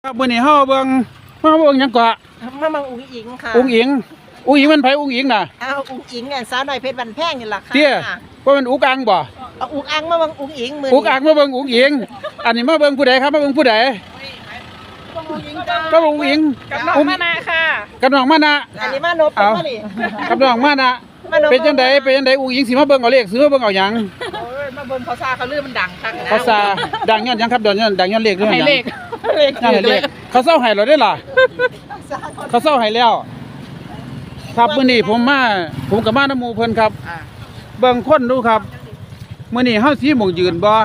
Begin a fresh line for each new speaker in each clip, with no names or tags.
ครับมื้อนี้เฮาเบิ่งหยังเกาะ
มามังอุ้งอิงค่ะ
อุ้งอิงมันไผอุ้งอิงน่ะ
อุ้งอิงเนี่ยสาวน้อยเพชรบันแพงนี่ล่ะค่ะ
เตี้ยว่ามันอุกอังบ่
อุกอังมามังอุ้งอิงมื้อ
อุกอังมาเบิ่งอุ้งอิงอันนี้มาเบิ่งผู้ใดครับมาเบิ่งผู้ใดก็อุ้งอิง
กับน้องมานะค่ะ
กับน้องมานะ
อันนี้มานบมาดิ
กับน้องมานะเป็นจังไดอุ้งอิงสิมาเบิ่งเอาเลขซื้อมาเบิ่งเอาหยัง
มาเบิ่งเขาซาเขาลือมันดังคักนะ
เขาซาดังย้อนหยังครับดังย้อนเลขหรือหยัง
เลข
เขาเซาให้เราได้ล่ะเขาเซาให้แล้วครับมื้อนี้ผมกับมาน้ำหมู่เพิ่นครับเบิ่งคนดูครับมื้อนี้เฮาสิหม่องยืนบ่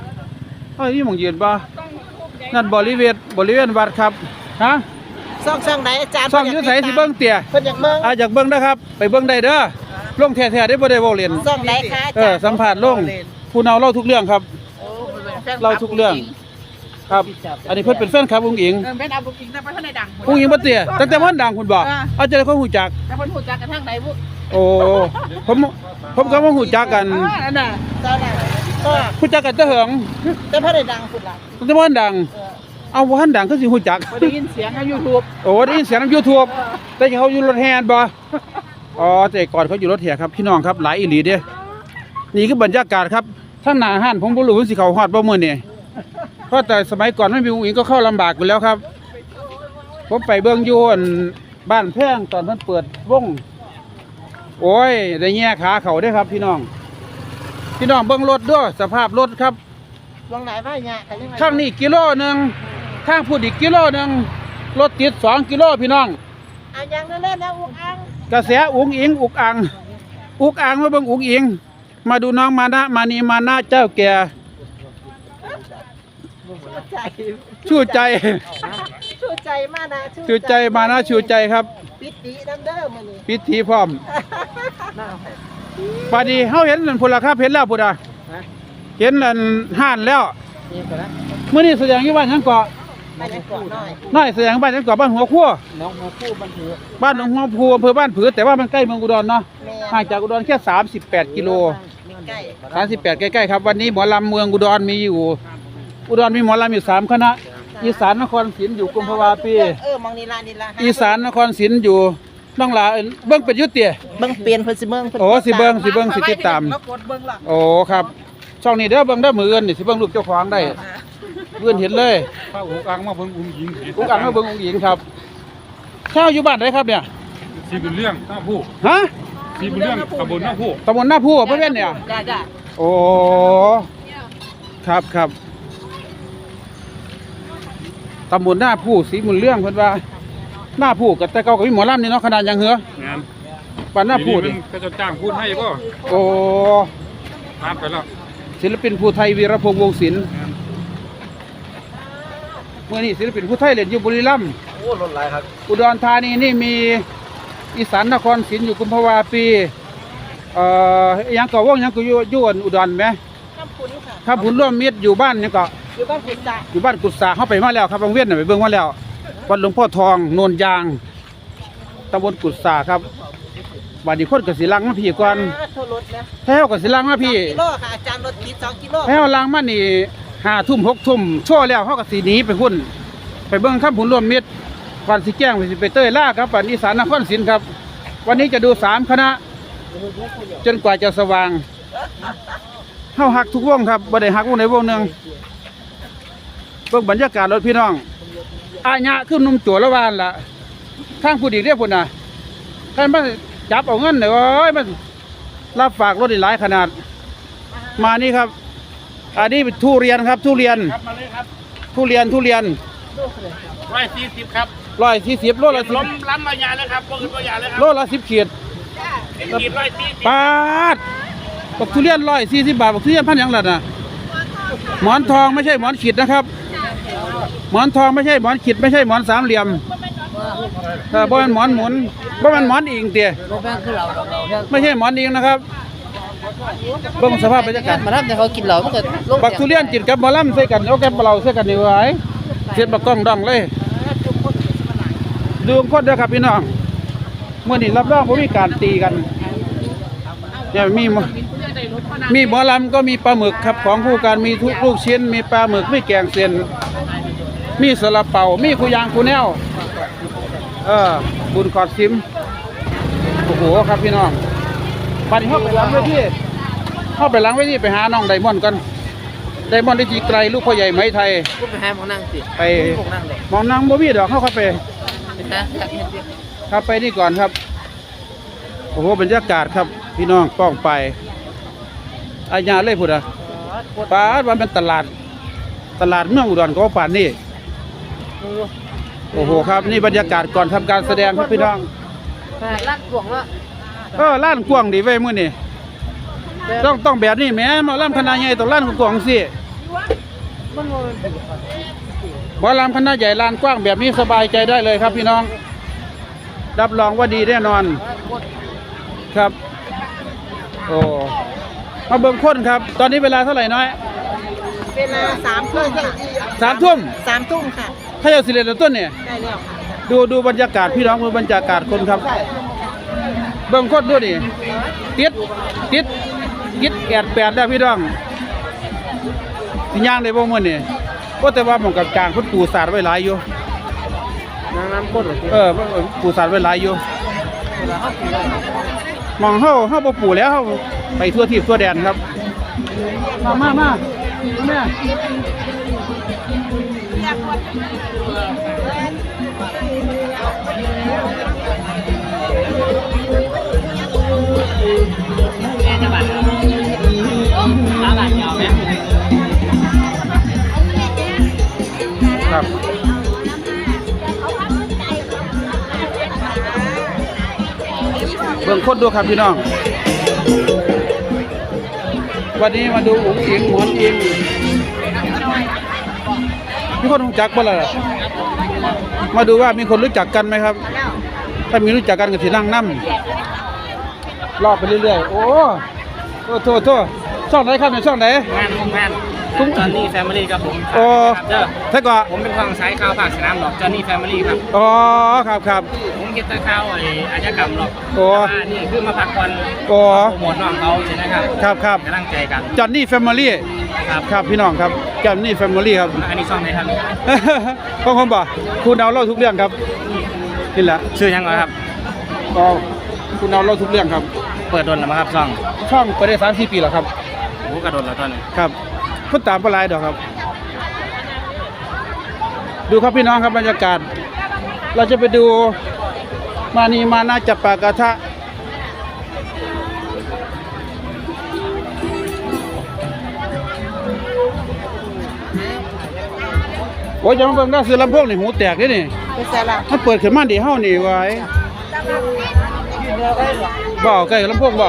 นั่นบริเวณวัดครับฮะ
ซ่องไหนอาจารย์
ซ่องอยู่ไสสิเบิ่งเตี้ย
เพิ่นอยากเบิ่ง
อยากเบิ่งนะครับไปเบิ่งได้เด้อลงแท้ๆได้บ่ได้เว้าเล่น
ซ่องไหนคะอาจารย์
สัมภาษณ์ลงผู้เล่าทุกเรื่องครับเล่าทุกเรื่องครับอันนี้เพิ่นเป็นแฟนครับอุ้งอิง
เป็นเอาอุ้งอิงแต่บ่ทันได้ดัง
อุ้งอิงบ่เตี้ยตั้งแต่มันดังคุณบ่เอาจะได้คนฮู้จัก
แต่เพิ่นฮู้จักกันทางใดบุ
โอ้ผมก็บ่ฮู้จักกัน
นั่นน่ะเจ้าน่ะก็
ฮู้จักกันแต่เหิง
แต่บ่ได้ดังพุ่นล่ะ
ตั้งแต่มันดังเอาบ่ทันดังคือสิฮู้จัก
ได้ยินเสียงใน YouTube
โอ้ได้ยินเสียงใน YouTube แต่เขาอยู่รถแห่บ่แต่ก่อนเขาอยู่รถแห่ครับพี่น้องครับหลายอีหลีเด้นี่คือบรรยากาศครับทางหน้าห้านผมบ่รู้ว่าสิเข้าฮอดบ่มื้อนี้เพราะแต่สมัยก่อนไม่มีอุ้งอิงก็เข้าลำบากอยู่แล้วครับผมไปเบิ่งอยู่บ้านแพงตอนเพิ่นเปิดวงโอ้ยได้แง่ขาเขาได้ครับพี่น้องเบิ่งรถด้วยสภาพรถครับ
วงไหนว่าแง่
ข้างนี้กิโลนึงข้างพูดอีกกิโลนึงรถติด2กิโลพี่น้อง
อย่างนั้นเล่นนะอุกอัง
กระแสอุ้งอิงอุกอังมาเบิ่งอุ้งอิงมาดูน้องมานะเจ้าแก่ชูใจ
มานะ
ชูใจครับ
ปิดดีน้ำเด้อมื้อนี้
ปิดทีพร้อมปาดีเฮาเห็นนั่นพุ่นล่ะครับเห็นแล้วพุ่นอ่ะเห็นนั่นห่านแล้วมื้อนี้แสดงอยู่บ้านหยังเกาะน้อยแสดงบ้านหยังเกาะบ้านหัวคั่ว
น้องหัวคู่
บ้านหนองหัวคู่อำเภอบ้านผือแต่ว่ามันใกล้เมืองอุดรเนาะห่างจากอุดรแค่38กิโล38ใกล้ๆครับวันนี้หมอลำเมืองอุดรมีอยู่อุดรมีหมอลำอยู่3คณะอีสานนครศรีอยู่กุมภาวาปี
มองนี่ล่ะ
อีสานนครศรีอยู่น้องหลาเบิ่งเป็นยุติ
เบิ่งเปลี่ยนเพิ่นสิเบิ่ง
สิเบิ่งสิติดตามโอ้ครับช่องนี้เด้อเบิ่งได้มื้ออื่นนี่สิเบิ่งลูกเจ้าของได้เพื่อนเห็นเลย
ข้าวอุกอังมาเบิ่งอุ้งอิง
มาเบิ่งอุ้งอิงครับข้าวอยู่บ้านไหนครับเนี่ย
สีบุญเรื่องหน้าผู้
ฮะ
สีบุญเรื่องตำบลหน้าผู้
เพิ่นเนี่ย
จ้า
โอ้ครับตำบลหน้าผู้สีบุญเรื่องเพิ่นว่าหน้าผู้กับแต่เก่ากับมีหมอลำนี่เนาะขนาดยังเหรอบ้านหน้าผู้
นี่ก็จะจ้างพูดให้ป่ะ
โอ้
ตามไปแล้ว
ศิลปินภูไทยวีรพงษ์วงศิลป์เมื่อนี้ศิลปินภูไทยเล่นอยู่บุรีรัมย์
โอ้รถหลายครับ
อุดรธานีนี่มีอีสานนครศรีอยู่กุมภาวาปียังก็วงยังก็อยู่อุดรไหมครับผุนร่วมมิตรอยู่บ้านนี่ก็
อยู่บ้าน
กุศลเข้าไปมาแล้วครับบางเวียนไปเบิ่งมาแล้ววัดหลวงพ่อทองโนนยางตำบลกุศลครับบาดนี้คนกับศิลังมาพี่ก่อนแท้วกับศิลังมาพี่
กิโลค่ะอาจารย์รถกี่2กิโล
แท้วลังมานี่5 ทุ่ม6 ทุ่มโชว์แล้วเขากับสีนี้ไปหุ่นไปเบิ่งครับผุนร่วมมิตรวันสิแจ้งไปเต้ยล่าครับวันอีสานนครศรีครับวันนี้จะดู3คณะจนกว่าจะสว่างเฮาหักทุกวงครับบ่ได้หักวงใดวงหนึ่งเบิ่งบรรยากาศรถพี่น้องอาญะขึ้นนุ่มจั่วละวานล่ะทางผู้ดีเรียกพุ่นน่ะท่านมาจับเอาเงินเด้อโอ้ยมันรับฝากรถหลายขนาดมานี่ครับอันนี้เป็นทุเรียนครับทุเรียน
ครับมาเลยครับ
ทุเรียน
140ครับ
140โลละ10
ล้ำมายาเลยครับพวกอื่นก็ยาเลยครับ
โลละ10ขีด
140
บาทบักทุเรียน140 บาทบักทุเรียนพันอย่างละน่ะหมอนทองไม่ใช่หมอนขีดนะครับหมอนทองไม่ใช่หมอนขีดไม่ใช่หมอนสามเหลี่ยมบ่เป็นหมอนหมุนบ่เป็นหมอนอิงเตี้ยไม่ใช่หมอนอิงนะครับเบิ่งสภาพบรรยากาศ
มาทำแต่เขากินเหล้ามันก็
บักทุเรียนกินกับหมอลำใส่กันเอาแกบเราใส่กันนี่ไว้เสียบบักกล้องดองเลยดูคนเด้อครับพี่น้องเมื่อนี้รับรองบ่มีการตีกันเนี่ยมีหมอลำก็มีปลาหมึกครับของคู่กันมีทุกลูกชิ้นมีปลาหมึกไม่แกงเส้นมีสลับเป่ามีคูยางคูแนวบุญขอดซิมโอ้โหครับพี่น้องปันนี้เข้าไปล้างไว้ที่ไปหาน้องไดมอนด์กันไดมอนด์ได้จีไกลลูกพ่อใหญ่ไหมไทย
กูไปหาหมอนั่งสิ
ไป
พวกนั่งเลย
มองนางบ่มีดอกเข้าไป
ไปหาอยากเห็นเดียว
ครับไปนี่ก่อนครับโอ้โหบรรยากาศครับพี่น้องป้องไปอาญาเลยพูดป้าว่าเป็นตลาดเมืองอุดรก็ว่าป่านนี่โอ้โหครับนี่บรรยากาศก่อนทำการแสดงครับพี่น้อง
ลากกวงละ
ล้านกว้างดีไว้มื้อนี่ต้องแบบนี้แหมมาล่ำคณะใหญ่ต้องล้านกว้างสิบ่ล่ำคณะใหญ่ล้านกว้างแบบนี้สบายใจได้เลยครับพี่น้องรับรองว่าดีแน่นอนครับโอ้มาเบิ่งคนครับตอนนี้เวลาเท่าไหร่น้อย
เวลา3 ทุ่มค่ะ
3 ทุ่ม
3 ทุ่มค่ะ
ถ้าจะสิเล่นต้นเนี่ย
ได้แล้วค่ะ
ดูบรรยากาศพี่น้องดูบรรยากาศคนครับเบิ่งคนดูนี่ติดแอดแปดได้พี่น้องสิย่างได้บ่มื้อนี่ก็แต่ว่าหม่องกับกลางเพิ่นปูสาดไว้หลายอยู่
น้ำข้น
ปูสาดไว้หลายอยู่หมองเฮาบ่ปูแล้วเฮาไปทั่วทิศทั่วแดนครับมาแม่ครับเบิ่งคนดูครับพี่น้องวันนี้มาดูอุ๋งอิงหมอนอิงมีคนรู้จักบ่ล่ะมาดูว่ามีคนรู้จักกันไหมครับถ้ามีรู้จักกันก็สินั่งนำรอบไปเรื่อยๆโอ้โทษช่องไหนครับเนี่ยช่องไหน
งานจอนนี่แฟมิลี่ครับผม
โอ้ถ้าก็
ผมเป็นฝั่งซ้ายข่าวภาคสนามหรอกจอนนี่แฟมิลี่ครับ
อ๋อครับ
ผมเก็บตะข่าวอาชญากรรมหรอก
โอ้
นี่คือมาพักผ่อน
โอ้
โปรโมทน้องเขาใช่ไหมครับ
ครับ
กำลังใจกัน
จอนนี่แฟมิลี่
ครับ
ครับพี่น้องครับจอนนี่แฟมิลี่ครับ
อันนี้ช่องไหนครับ
ก็ผมบอกคุณเอาเล่าทุกเรื่องครับนี่แหละ
ชื่อยังไงครับ
ก็คุณเอาเล่าทุกเรื่องครับ
เปิดโดนแล้วมั้งครับช่อง
เปิดได้3-4 ปีแล้วครับ
โอ้กระโดดแล้วตอนนี้
ครับคนตามปลายดอกครับ ดูครับพี่น้องครับบรรยากาศ เราจะไปดูมานาจับปากระทะโอ้ยจะมาเบิ่งได้ซื้อลำโพงนี่หูแตกเด้นี่
ไปใส่ละ
มันเปิดขึ้นมาดีเฮานี่ไว้เบาใกล้ลำโพงเบา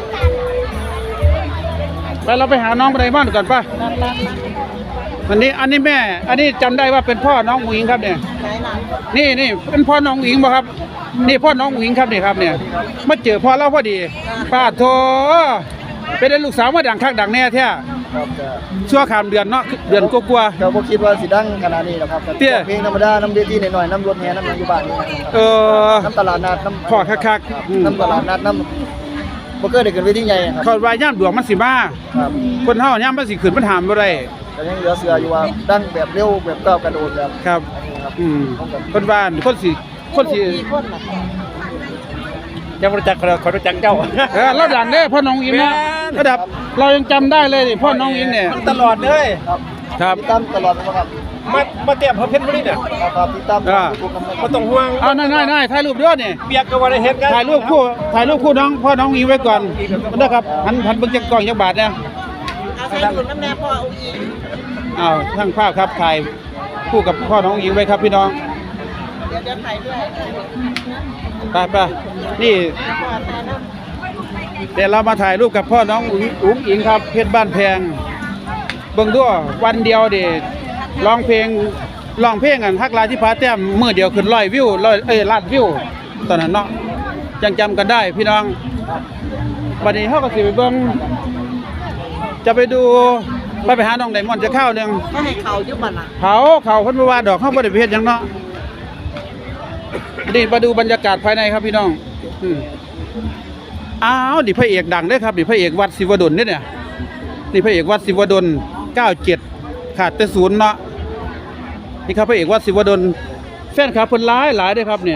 ไปเราไปหาน้องไปบ้านก่อนป่ะอันนี้แม่อันนี้จำได้ว่าเป็นพ่อน้องอุ๋งอิงครับเนี่ย
ไหนล่ะ
นี่เป็นพ่อน้องอุ๋งอิงบ่ครับนี่พ่อน้องอุ๋งอิงครับนี่ครับเนี่ยมาเจอพ่อเราพอดีป้าโถเป็นได้ลูกสาวมาดังคักดังแน่แท้
ครับแต่
ชั่วข้ามเดือนเนาะเดือนกว่า
เราบ่คิดว่าสิดังขนาดนี้หรอกครับ
เตี้ย
เพลงธรรมดาน้ำเวทีหน่อยๆน้ำรถแห่น้ำหยังอยู่บ้านนี่นะครับ
ๆ
น้ำตลาดนัดน้ำ
พ่อคักๆ
น้ำตลาดนัดน้ำบ่เคยได้ขึ้นเวทีใหญ่ครับ
เขาว่าย่ามดวงมันสิมา
ครับ
คนเฮาย่ามมันสิขึ้นมันหามบ่ได้
แต่ยังเหลือเสืออยู่ว่าดังแบบเร็วแบบก้าวกระโดดแบบ
ครับ
นี้ครับ
คนบ้านคนสิ
มีคนล่ะ
ยังรู้จักเขารู้จักเจ้า
เราดังเด้พ่อน้องอิงนะระดับเรายังจำได้เลยนี่พ่อน้องอิงเนี่ย
ตลอดเลย
ครับ
ครับ
ติดตามตลอดนะครับ
มาเตรียมเพชรบุรีเนี่ย
ครับติดตาม
อ่า
ทุกๆนะครับ
มาต้องห่วง
เอานายถ่ายรูปด้วยนี่
เปียกกับวันเฮ็ดกัน
ถ่ายรูปคู่น้องพ่อน้องอิงไว้ก่อนนะครับหันเบิ่งจักกล้องจักบาทเนี่ย
เอาใส่ถุงน้ำแน่พ่อเอาอีก
อ้าวช่างภาพครับถ่ายคู่กับพ่อน้องอิงไว้ครับพี่น้อง
เดี๋ยวถ่ายด้วย
ไปนี่
พ่อถ่ายน้ำ
เดี๋ยวเรามาถ่ายรูปกับพ่อน้องอุ๋งอิงครับเพชรบ้านแพงเบิ่งด้วยวันเดียวเด็ร้องเพลงกันฮักลายที่พาแต้มมื้อเดียวขึ้น100 วิวล้านวิวตอนนั้นเนาะยังจำกันได้พี่น้องวันนี้เฮาก็สิไปเบิ่งจะไปดูไปหาน้องไดมอนด์จะข้าวหนึง
ก็ให้เขาอยู่บ้านล่ะ
เขาเพิ่นบ่ว่าดอกเฮาบ่ได้ไปเฮ็ดหยังเนาะนี่มาดูบรรยากาศภายในครับพี่น้องอ้าวนี่พระเอกดังเด้อครับนี่พระเอกวัดศิวดลเนี่ยนี่พระเอกวัดศิวดล97ขาดแต่0เนาะนี่ครับพระเอกวัดศิวดลแฟนคลับเพิ่นหลายเด้อครับเนี่ย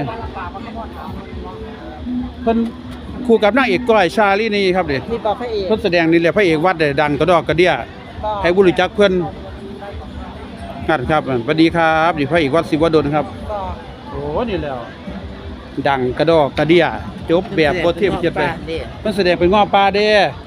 เพิ่นคู่กับนางเอกก้อยชาลีนี่ครับเด้
มีบอกพระเอก
เพิ่นแสดงนี่แหละพระเอกวัดได้ดังกระดอกกระเดี้ยให้ผู้รู้จักเพิ่นนั่นครับสวัสดีครับนี่พระเอกวัดศิวดลครับ
บอก
โอ้นี่แล้วดังกระดอกกระเดี้ยจบแบบบ่เทียมเทียบไปเพิ่นแสดงเป็นง้อปลาเด้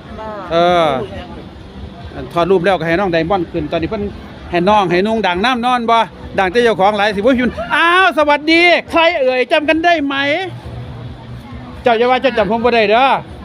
ถอดรูปแล้วก็ให้น้องไดมอนด์ขึ้นตอนนี้เพิ่นให้น้องให้นุ่งดังน้ำนอนบ่ดังแต่เจ้าของหลายสิบ่พิมพ์อ้าวสวัสดีใครเอ่ยจำกันได้ไหมเจ้าอย่าว่าเจ้าจำผมบ่ได้เด้อ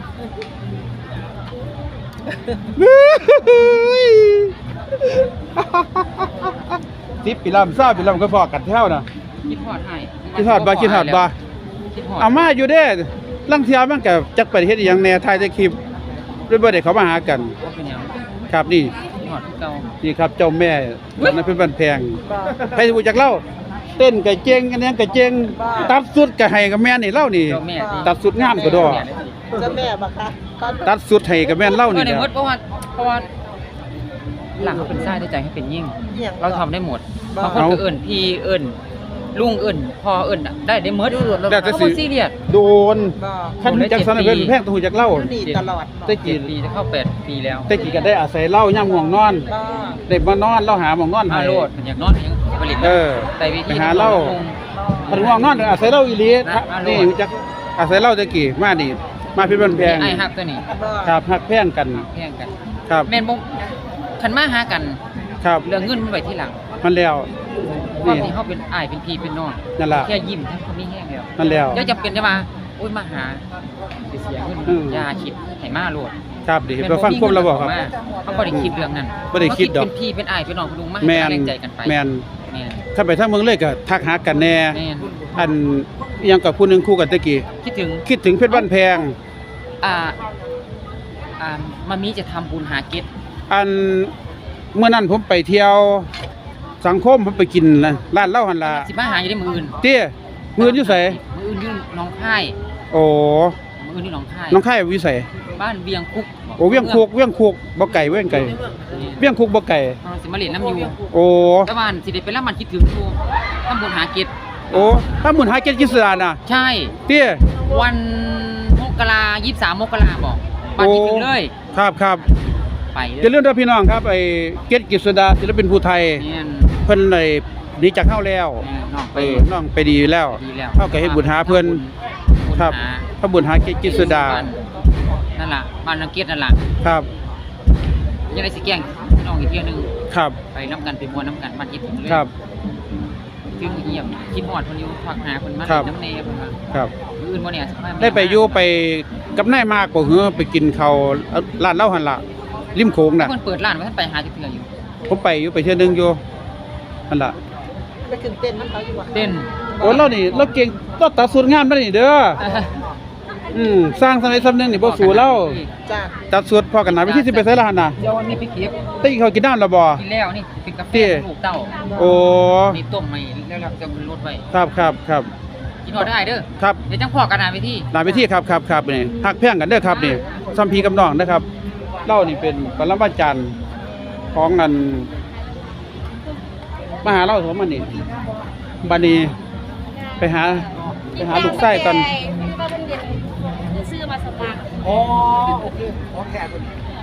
สิบปีลำ20ปีลำก็พอกันแถวน่ะ
คิดฮอดให้
คิดฮอดบ่คิดฮอดบ่
คิดฮอด
เอามาอยู่เด้ลังเที่ยมันก็จักไปเฮ็ดอีหยังแหน่ถ่ายแต่คลิปด้วยบ่ได้เขามาหากัน
ว่าเป็นหยัง
ครับนี่
คิดฮอดคือเก่า
นี่ครับเจ้าแม่ตอนนั้นเป็นบ้านแพง
บอก
ใครรู้จักเล่าเต้นกะเจงอันนี้กะเจงตัดสุดกะให้กับแม่นนี่เล่านี่
เจ้าแม่ที่
ตัดสุดงามกว่าดอก
เจ้าแม่บอกค่ะก็
ตัดสุดให้กับแม่นเล่า
เอ
นี่
อใน
แหละ
หมดเพราะว่าหลังเขาเป็นชายได้ใจให้เป็นยิ่ง
เหี่ยง
เราทำได้หมดบางคนก็เอิ้นพี่เอิ้นลุงเอิ้นพ่อเอิ้นได้หมดเราบ่ซีเรียส
โดน
บอก
คันจักสันเพิ่นแพงต้องฮู้จักเล่า
ดีตลอด
ได้กี่
ปีจะเข้า8ปีแล้ว
แต่กี่ก็ได้อาศัยเล่ายามง่วงนอน
บอก
ได้มานอนเล่าหาหม่องนอน
มา
ให้
โลดอยากนอนยังผลิต
เออ
แต่วิธี
ไปหาเหล้า คันง่วงนอนอาศัยเล่าอีหลีนี่รู้จักอาศัยเล่าแต่กี่มานี่มาเพิ่นบ้านแพง
ไอ้ฮักตัวนี้
บอก
ครับฮักแพงกัน
แย่งกัน
ครับ
แม่นบ่คันมาหากัน
ครับ
เรื่องเงินมันไว้ที่หลัง
มันแล้ว
ความ
นี่
ที่เขาเป็นอ้ายเป็นพี่เป็นน้อง
นั่นล่ะ
แค่ยิ้มทั้งคนนี้แห้งแล้ว
มันแล้ว
แล้วจะเป็นจะมาโอ้ยมาหาสิเสียเงิน
อืม
อย่าคิดให้มาโลด
ครับดิไปฟังควบเราบอกครับ
เขาบ่ได้คิดเรื่องนั้น
บ่ได้คิดดอก
เป็นพี่เป็นอ้ายเป็นน้องเป็นลุงมา
แม
ให้
น
กำลังใจกันไป
แมน
แม่น
ถ้าไปทางเมืองเลยก็ทักหากันแน่
แม่น
อันอิหยังกับผู้หนึงคู่กันตะกี้
คิดถึง
คิดถึงเพชรบ้านแพง
อ่ามามีจะทำบุญหาเก็ต
อันเมื่อนั้นผมไปเที่ยวสังคมผมไปกินร้านเหล้าหั่นล่ะ
สิมาหาอยู่ได้มื้ออื่น
เตี้ยมื้ออยู่ไส
มื้ออื่นอยู่หนองคาย
โอ้
มื้ออื่นอยู่หนองคาย
น้องค่ายอยู่ไส
บ้านเวียงคุก
โอ้เวียงคุกบ่ไก่เวียงไก่
นี่
เวียงคุกบ่ไก่
เราสิมาเล่นน้ำอยู่
โอ้
แต่ว่าสิได้ไปรับมันคิดถึงอยู่ทำบุญหาเก็ต
โอ้ถ้าหมุนหาเก็ดกิสดาน่ะ
ใช่
เตี้ย
วัน23 มกราบอกบ้านคิดถึงเลย
ครับ
ไปเล
จะเรื่องเด้อพี่น้องครับไอ้เก็ดกิสดาศิลปินผู้ไทย
เนี่ย
เพิ่นได้หนีจากเฮาแล้ว
น้องไป
น้องไปดีแล้ว
ดีแล้ว
เฮาก็เฮ็ดบุญหาเพิ่นครับ
หา
พระบุญหาเกจิตสุดา
นั่นล่ะบ้านนังเกียรตินั่นล่ะ
ครับ
ยังได้สิแกล้งน้องอีกเที่ยวหนึง
ครับ
ไปน้ำกันไปมวนน้ำกันบ้านคิดถึงเลย
ครับ
ถึงเยี่ยมคิดฮอดเพิ่นอยู่พักหาเพิ่นมา
ครับ
น้ำเนเพิ่นว่า
ครับ
มื้ออื่นบ่เนี่ยสิพาแม่
ได้ไปอยู่ไปกับนายมากบ่หือไปกินข้าวร้านเหล้าหั่นล่ะริมโขงน่ะ
เพิ่นเปิดร้านไว้ท่านไปหาจักเทื่ออยู่
ผมไปอยู่ไปเทื่อนึงอยู่นั่นล่ะ
ไปขึ้นเต้นน้ำเขาอยู่ว่ะ
เต้น
โอ้เรานี่เราเก่งเราตัดสูตรงามมานี่เด้อสร้างสมัยสำนึงนี่บ่สู้เรา
จ้า
ตัดสูตรพอกันหน้าวิธีสิไปไสล่ะหั่นน่ะ
เดี๋ยววันนี้ไปเก็บ
ได้กินข้าวกินน้ำแล้วบ่
กินแล้วนี่เป็นกาแฟ
ที่
ลูกเต้า
โอ้
นี่ต้มใหม่แล้วเราจะลดไว้
ครับ
กินฮอดได้เด้อ
ครับ
เดี๋ยวจังพอกันหน้าเวที
หน้าเวทีครับนี่ฮักแพงกันเด้อครับนี่ซัมพีกับน้องนะครับเล่านี่เป็นปรมาจารย์ของอันมหาเล่าสมมันนี่บัดนี้ไปหาลูกไส้ก่อน
ซื้อมาสตาร์
อ๋อโอเคโอเคคน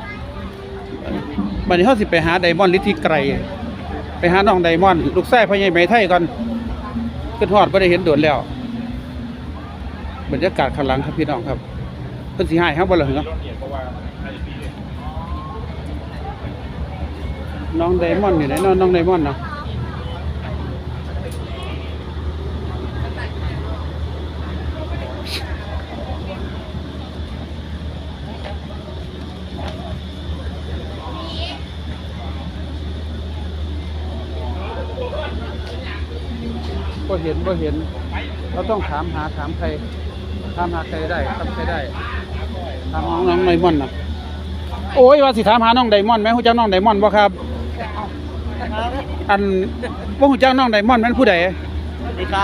บัดนี้เฮาสิไปหาไดมอนด์ฤทธิไกรไปหาน้องไดมอนด์ลูกไส้พ่อใหญ่ไหมไทยก่อนขึ้นฮอดบ่ได้เห็นโดนแล้วบรรยากาศข้างหลังครับพี่น้องครับเพิ่นสิหายเฮาบ่ล่ะเหรอน้องไดมอนด์อยู่ไหนน้องไดมอนด์เนาะบ่เห็นเราต้องถามใครถามหาใครได้ถามใครได้ถามน้องไดมอนด์น่ะโอ้ยว่าสิถามหาน้องไดมอนด์แม่ฮู้จักน้องไดมอนด์บ่ครับอันบ่ฮู้จักน้องไดมอนด์แม่นผู้ใด
ดีครับ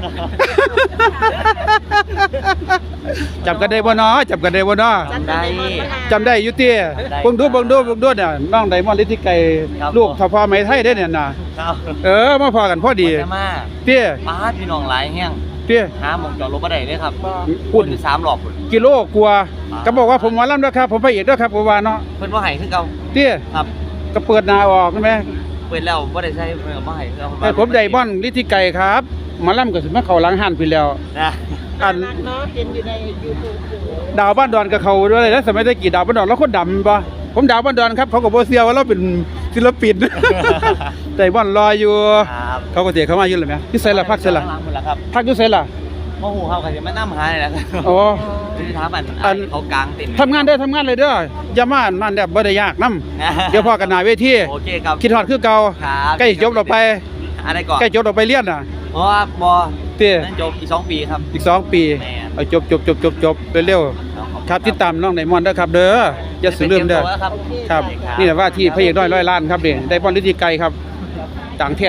จำกันได้บ่เนาะจำกันได้บ่เนาะ
จำได้
จำได้อยู่เตี้ยเบิ่งดูเนี่ยน้องไดมอนด์ฤทธิไกรลูกทพไหมไทยได้เนี่ยน่ะ
ครับ
มาพอกันพอดี
จะมา
เตี้ย
ป้าพี่น้องหลายแห้ง
เตี้ย
หาหมองจอดรถบ่ได้เลยครับ
พูด
อยู่3รอบพุ่น
กิโลกว่าก็บอกว่าผมหมอลำด้วยครับผมพระเอกด้วยครับผมว่าเนาะ
เพิ่นบ่ให้คือเก่า
เตี้ย
ครับ
ก็เปิดหน้าออกใช่ไหม
เปิดแล้วบ่ได้ใช้เพิ่นก็บ่ให้คือเก่า
ไอ้ผมไดมอนด์ฤทธิไกรครับหมอลำก็สิมาเข้าหลังหันพี่แล้ว
นะ
อัน
รักเนาะเห็นอยู่ใน YouTube อยู่
ดาวบ้านดอนกับเขาด้วยแล้วสมัยตะกี้ดาวบ้านดอนแล้วคนดำป่ะผมดาวบ้านดอนครับเขาก็บ่เสียว่าเราเป็นศิลปิน แต่บ้านรออยู่
ครับ
เขาก็เสียเขามาอยู่เลยไหมที่ไสล่ะพักไสล่ะ
หลังหมดแล้วครับ
พักอยู่ไสล่ะ
บ่ฮู้เขาก็สิมานํหานี่แหละครับ
อ๋อ
สิถามอัน
อัน
เขากลางเต็นท์
ทำงานเด้อทำงานเลยเด้ออย่ามาอันมันแบบบ่ได้ยากนํเดี๋ยวพอกันหน้าเวที
โอเคครับ
คิดฮอดคือเก่า
ครับ
ใกล้จบเราไป
อะไรก่อน
ใกล้จบเราไปเรียนน่ะ
เพราะว่าบ่
เตี้ย
นั่นจบอีก2ปีครับ
อีก2 ปี
แม่น
เอาจบเร็วๆครับติดตามน้องไดมอนด์เด้อครับเด้ออย่าสิลืมเด้อ
ครับ
ครับ นี่แหละว่าที่พระเอกน้อยร้อยล้านครับนี่ได้บอลฤทธิไกรครับดังแท้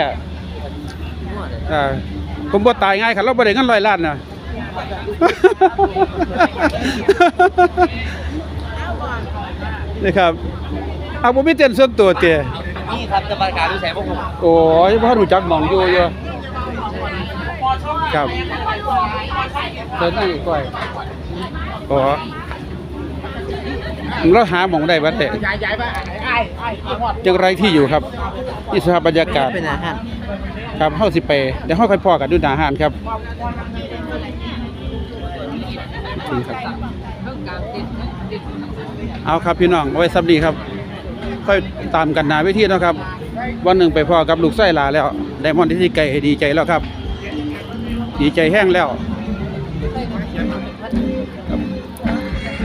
ผมบ่ตายง่ายครับเราบ่ได้เงินร้อยล้านน่ะ นี่ครับเอาบ่มีเต้นส่วนตัวเตะ
นี่ครับจะประกาศดูแสงพวกผม
โอ้ยบ่รู้จักหม่องอยู่ครับเดินนั่งอีกก้อยอ๋อเราหาหม่องได้บ่แต่จังไรที่อยู่ครับนี่สภาพบรรยากาศ
เป็นอาหาร
ครับเฮาสิไปเดี๋ยวเฮาค่อยพอกันดูหน้าอาหารครับถึงครับเอาครับพี่น้องเอาไว้ซับดีครับค่อยตามกันหน้าเวทีเนาะครับวันหนึ่งไปพอกับลูกไส้หลาแล้วไดมอนด์ที่ไก่ดีใจแล้วครับ ดีใจแห้งแล้ว